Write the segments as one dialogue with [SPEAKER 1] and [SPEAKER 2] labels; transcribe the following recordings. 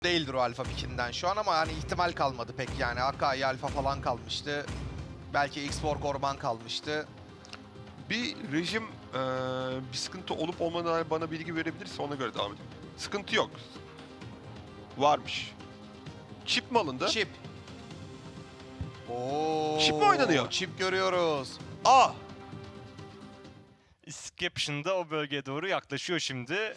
[SPEAKER 1] değildir o Alfa Pick'inden şu an ama hani ihtimal kalmadı pek yani. Akai Alfa falan kalmıştı. Belki X-Borg Orman kalmıştı.
[SPEAKER 2] Bir rejim bir sıkıntı olup olmadığına dair bana bilgi verebilirse ona göre devam edelim. Sıkıntı yok. Varmış. Çip mi alındı?
[SPEAKER 1] Chip. Oo,
[SPEAKER 2] Chip mi oynanıyor?
[SPEAKER 1] Chip görüyoruz.
[SPEAKER 2] Aa!
[SPEAKER 3] Escaption da o bölgeye doğru yaklaşıyor şimdi.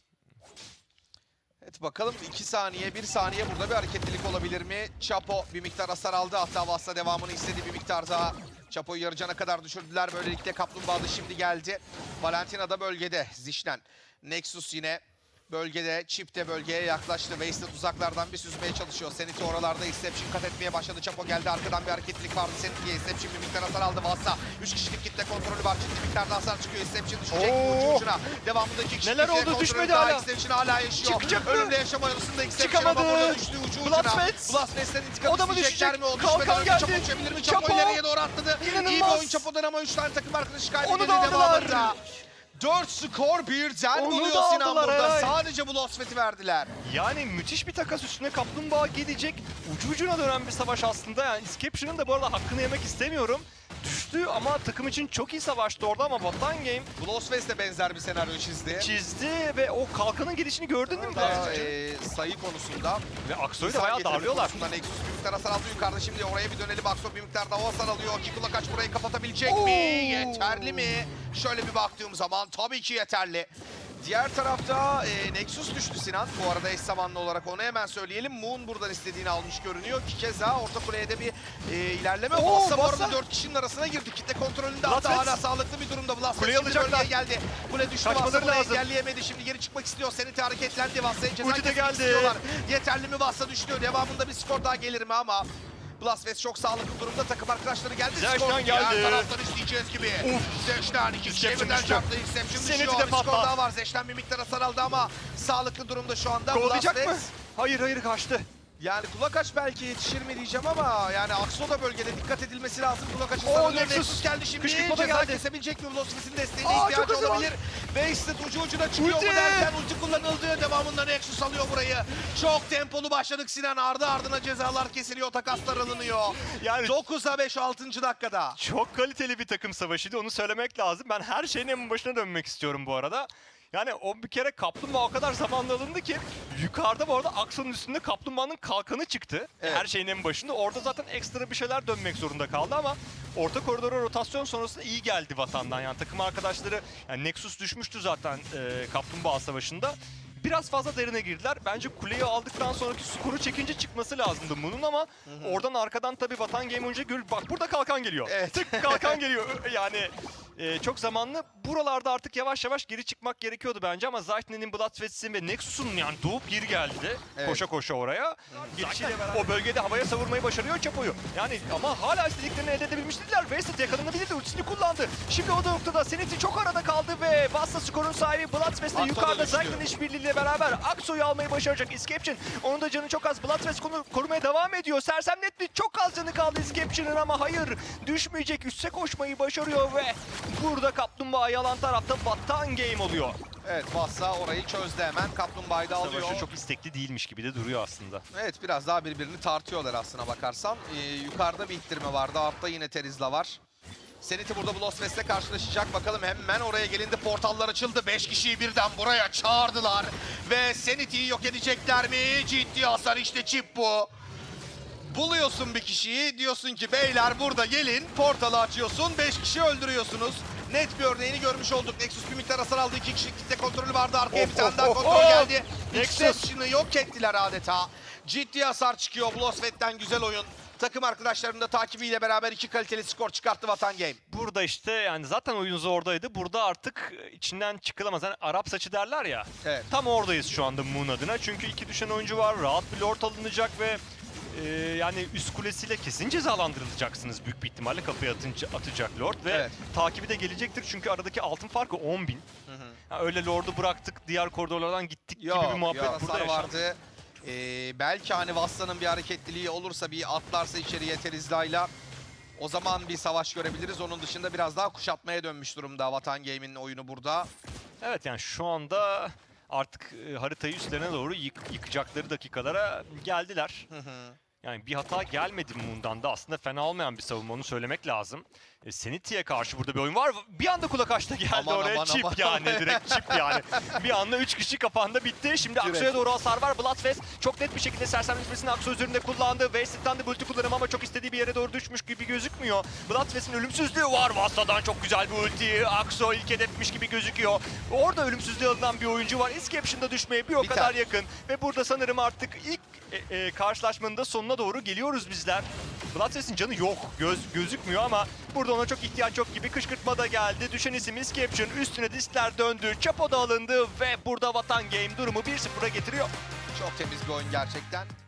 [SPEAKER 1] Evet bakalım 2 saniye 1 saniye burada bir hareketlilik olabilir mi? Chapo bir miktar hasar aldı, hatta Vassa devamını istedi bir miktar daha. Chapo'yu yarı cana kadar düşürdüler, böylelikle Kaplumbağa da şimdi geldi. Valentina da bölgede, Zişnen. Nexus yine bölgede, Chip de bölgeye yaklaştı. Wasted uzaklardan bir süzmeye çalışıyor. Seniti oralarda Exception kat etmeye başladı. Chapo geldi, arkadan bir hareketlilik vardı Seniti'ye. Exception bir miktar hasar aldı Vassa. 3 kişilik kitle kontrolü var, ciddi miktarda hasar çıkıyor. Exception düşecek ucu ucuna. Devamında 2 kişilik
[SPEAKER 3] Neler
[SPEAKER 1] kitle
[SPEAKER 3] oldu?
[SPEAKER 1] kontrolü
[SPEAKER 3] Düşmedi
[SPEAKER 1] daha.
[SPEAKER 3] hala.
[SPEAKER 1] Exception hala yaşıyor.
[SPEAKER 3] Çıkacak mı?
[SPEAKER 1] Önünde yaşama yolunda Exception
[SPEAKER 3] Çıkamadı.
[SPEAKER 1] ama burada düştü ucu ucuna.
[SPEAKER 3] Blastfest.
[SPEAKER 1] Blastfest'ten intikam
[SPEAKER 3] O da mı
[SPEAKER 1] isteyecekler
[SPEAKER 3] düşecek?
[SPEAKER 1] mi? O
[SPEAKER 3] Kalkan
[SPEAKER 1] düşmeden önce
[SPEAKER 3] geldi.
[SPEAKER 1] Chapo uçabilir mi? Chapo
[SPEAKER 3] Chapo.
[SPEAKER 1] ileriye doğru atladı. İyi bir
[SPEAKER 3] İnanılmaz.
[SPEAKER 1] oyun Chapo'dan ama 3 tane takım arkadaşı kaybedildi
[SPEAKER 3] Onu da aldılar.
[SPEAKER 1] devamında. 4 skor birden
[SPEAKER 3] Onu
[SPEAKER 1] buluyor
[SPEAKER 3] da
[SPEAKER 1] Sinan
[SPEAKER 3] aldılar,
[SPEAKER 1] burada.
[SPEAKER 3] evet.
[SPEAKER 1] Sadece bu Lostfet'i verdiler.
[SPEAKER 3] Yani müthiş bir takas üstüne Kaplumbağa gelecek. Ucu ucuna dönen bir savaş aslında. Yani Escaption'ın da bu arada hakkını yemek istemiyorum. Düştü ama takım için çok iyi savaştı orada ama Vatan Game
[SPEAKER 1] Bu Lostfest de benzer bir senaryo çizdi.
[SPEAKER 3] ve o kalkanın gelişini gördün değil mi?
[SPEAKER 1] Daha,
[SPEAKER 3] Blastfest'in?
[SPEAKER 1] sayı konusunda.
[SPEAKER 3] Ve Aksoy'u da
[SPEAKER 1] İnsan
[SPEAKER 3] bayağı
[SPEAKER 1] getirme
[SPEAKER 3] darlıyorlar.
[SPEAKER 1] konusunda Nexus bir miktar hasar aldı yukarıda. Şimdi oraya bir dönelim. Akso bir miktar daha hasar alıyor. Kikula kaç burayı kapatabilecek mi? Yeterli mi? Şöyle bir baktığım zaman tabii ki yeterli. Diğer tarafta Nexus düştü Sinan. Bu arada eş zamanlı olarak onu hemen söyleyelim. Moon buradan istediğini almış görünüyor. Ki keza orta kuleye de bir ilerleme. Vassa bu arada 4 kişinin arasına girdi. Kitle kontrolünde hatta
[SPEAKER 3] Blastfest.
[SPEAKER 1] hala sağlıklı bir durumda. Blastfest
[SPEAKER 3] Kuleyi
[SPEAKER 1] şimdi
[SPEAKER 3] alacaklar.
[SPEAKER 1] bölgeye geldi. Kule düştü.
[SPEAKER 3] Kaçmaları
[SPEAKER 1] Vassa burayı
[SPEAKER 3] lazım.
[SPEAKER 1] engelleyemedi. Şimdi geri çıkmak istiyor. Senit hareketlendi. Vassa'ya ceza
[SPEAKER 3] Ulti de
[SPEAKER 1] kesmek
[SPEAKER 3] geldi.
[SPEAKER 1] istiyorlar. Yeterli mi? Vassa düştü. Devamında bir skor daha gelir mi ama Blastfest çok sağlıklı durumda. Takım arkadaşları geldi.
[SPEAKER 3] Zeşnan
[SPEAKER 1] Skor
[SPEAKER 3] geldi.
[SPEAKER 1] her taraftan isteyeceğiz gibi. Zeşnan 2 kişiye
[SPEAKER 3] Inception
[SPEAKER 1] birden
[SPEAKER 3] düştü.
[SPEAKER 1] çarptı. Inception
[SPEAKER 3] Senet'i
[SPEAKER 1] düşüyor.
[SPEAKER 3] de
[SPEAKER 1] Bir skor
[SPEAKER 3] patlat.
[SPEAKER 1] daha var. Zeşnan bir miktar hasar aldı ama sağlıklı durumda şu anda.
[SPEAKER 3] Kovalayacak mı?
[SPEAKER 1] Blastfest.
[SPEAKER 3] Hayır kaçtı.
[SPEAKER 1] Yani kulak aç belki yetişir mi diyeceğim ama yani Akso da bölgede dikkat edilmesi lazım. Kulak açı
[SPEAKER 3] Oo,
[SPEAKER 1] sarılıyor.
[SPEAKER 3] Nexus.
[SPEAKER 1] Nexus geldi şimdi.
[SPEAKER 3] Kışkırtma da
[SPEAKER 1] Ceza
[SPEAKER 3] geldi.
[SPEAKER 1] kesebilecek mi? Blastfest'in desteğine
[SPEAKER 3] Aa, çok
[SPEAKER 1] ihtiyacı
[SPEAKER 3] hızlı var.
[SPEAKER 1] olabilir. Wasted ucu ucuna çıkıyor
[SPEAKER 3] Ulti.
[SPEAKER 1] mu derken ulti kullanıldı. Devamında Nexus alıyor burayı. Çok tempolu başladık Sinan. Ardı ardına cezalar kesiliyor. Takaslar alınıyor.
[SPEAKER 3] Yani
[SPEAKER 1] 9'a 5 6. dakikada.
[SPEAKER 3] çok kaliteli bir takım savaşıydı, onu söylemek lazım. Ben her şeyin en başına dönmek istiyorum bu arada. Yani o bir kere Kaplumbağa o kadar zamanla alındı ki yukarıda bu arada Akso'nun üstünde Kaplumbağa'nın kalkanı çıktı.
[SPEAKER 1] Evet.
[SPEAKER 3] Her şeyin en başında. Orada zaten ekstra bir şeyler dönmek zorunda kaldı ama orta koridora rotasyon sonrasında iyi geldi Vatan'dan. Yani takım arkadaşları, yani Nexus düşmüştü zaten Kaplumbağa savaşında. Biraz fazla derine girdiler. Bence kuleyi aldıktan sonraki skoru çekince çıkması lazımdı bunun ama oradan arkadan tabii Vatan Game önce görür. Bak burada kalkan geliyor.
[SPEAKER 1] Evet.
[SPEAKER 3] Tık kalkan geliyor. Yani çok zamanlı. Buralarda artık yavaş yavaş geri çıkmak gerekiyordu bence ama Zaytne'nin, Bloodfest'in ve Nexus'un yani doğup geri geldi.
[SPEAKER 1] Evet.
[SPEAKER 3] Koşa koşa oraya. Gelişiyle beraber o bölgede havaya savurmayı başarıyor Chapo'yu. Yani ama hala istediklerini elde edebilmiş değiller. Wasted yakalanabilirdi. Ultisini kullandı. Şimdi o noktada Senit'i çok arada kaldı ve Vassa skorun sahibi Bloodfest de
[SPEAKER 1] Akso da
[SPEAKER 3] yukarıda
[SPEAKER 1] düştü.
[SPEAKER 3] Zaytne'nin işbirliğiyle beraber Akso'yu almayı başaracak Escaption. Onun da canı çok az. Bloodfest korumaya devam ediyor. Sersemletli çok az canı kaldı Escaption'ın ama hayır, düşmeyecek. Üste koşmayı başarıyor ve burada Kaplumbağa yalan tarafta Vatan Game oluyor.
[SPEAKER 1] Evet Vassa orayı çözdü hemen. Kaplumbağa'yı da alıyor.
[SPEAKER 3] Savaşı çok istekli değilmiş gibi de duruyor aslında.
[SPEAKER 1] Evet biraz daha birbirini tartıyorlar aslına bakarsan. Yukarıda bir ittirme vardı. Altta yine Terizla var. Senit'i burada Blastfest'le karşılaşacak. Bakalım hemen oraya gelindi. Portallar açıldı. 5 kişiyi birden buraya çağırdılar. Ve Senit'i yok edecekler mi? Ciddi hasar işte çip bu. Buluyorsun bir kişiyi. Diyorsun ki beyler burada gelin. Portalı açıyorsun. 5 kişi öldürüyorsunuz. Net bir örneğini görmüş olduk. Nexus bir miktar hasar aldı. 2 kişilik kitle kontrolü vardı. Arkaya bir tane daha kontrol geldi.
[SPEAKER 3] Nexus.
[SPEAKER 1] Exception'ı yok ettiler adeta. Ciddi hasar çıkıyor. Blastfest'ten güzel oyun. Takım arkadaşlarının da takibiyle beraber 2 kaliteli skor çıkarttı Vatan Game.
[SPEAKER 3] Burada işte yani zaten oyun zordaydı. Burada artık içinden çıkılamaz. Hani Arap saçı derler ya.
[SPEAKER 1] Evet.
[SPEAKER 3] Tam oradayız şu anda Moon adına. Çünkü 2 düşen oyuncu var. Rahat bir lord alınacak ve yani üst kulesiyle kesin cezalandırılacaksınız büyük bir ihtimalle, kapıya atacak lord ve
[SPEAKER 1] Evet.
[SPEAKER 3] takibi de gelecektir çünkü aradaki altın farkı 10.000. Yani öyle lord'u bıraktık, diğer koridorlardan gittik gibi bir muhabbet burada
[SPEAKER 1] hasar
[SPEAKER 3] yaşandı.
[SPEAKER 1] vardı. Belki hani Vassa'nın bir hareketliliği olursa, bir atlarsa içeriye Terizla'yla o zaman bir savaş görebiliriz. Onun dışında biraz daha kuşatmaya dönmüş durumda Vatan Game'in oyunu burada.
[SPEAKER 3] Evet yani şu anda artık haritayı üstlerine doğru yıkacakları dakikalara geldiler. Yani bir hata gelmedi Moon'dan da, aslında fena olmayan bir savunma, onu söylemek lazım. Senity'ye karşı burada bir oyun var. Bir anda kulak açta geldi
[SPEAKER 1] Aman,
[SPEAKER 3] oraya.
[SPEAKER 1] aman,
[SPEAKER 3] Çip
[SPEAKER 1] aman.
[SPEAKER 3] yani, direkt çip yani. Bir anda 3 kişi kafanda bitti. Şimdi
[SPEAKER 1] Direkt.
[SPEAKER 3] Aksu'ya doğru hasar var. Bloodfest çok net bir şekilde sersemletmesini Aksu üzerinde kullandı. Wasted'dan da ulti kullanım ama çok istediği bir yere doğru düşmüş gibi gözükmüyor. Bloodfest'in ölümsüzlüğü var. Vasta'dan çok güzel bir ulti. Aksu ilk hedefmiş gibi gözüküyor. Orada ölümsüzlüğü alınan bir oyuncu var. Escaption'da düşmeye bir o
[SPEAKER 1] Biter.
[SPEAKER 3] kadar yakın. Ve burada sanırım artık ilk karşılaşmanın da sonuna doğru geliyoruz bizler. Bloodfest'in canı yok. Gözükmüyor ama burada ona çok ihtiyaç yok gibi. Kışkırtma da geldi. Düşen isim Escaption. Üstüne diskler döndü. Chapo da alındı ve burada Vatan Game durumu 1-0'a getiriyor.
[SPEAKER 1] Çok temiz bir oyun gerçekten.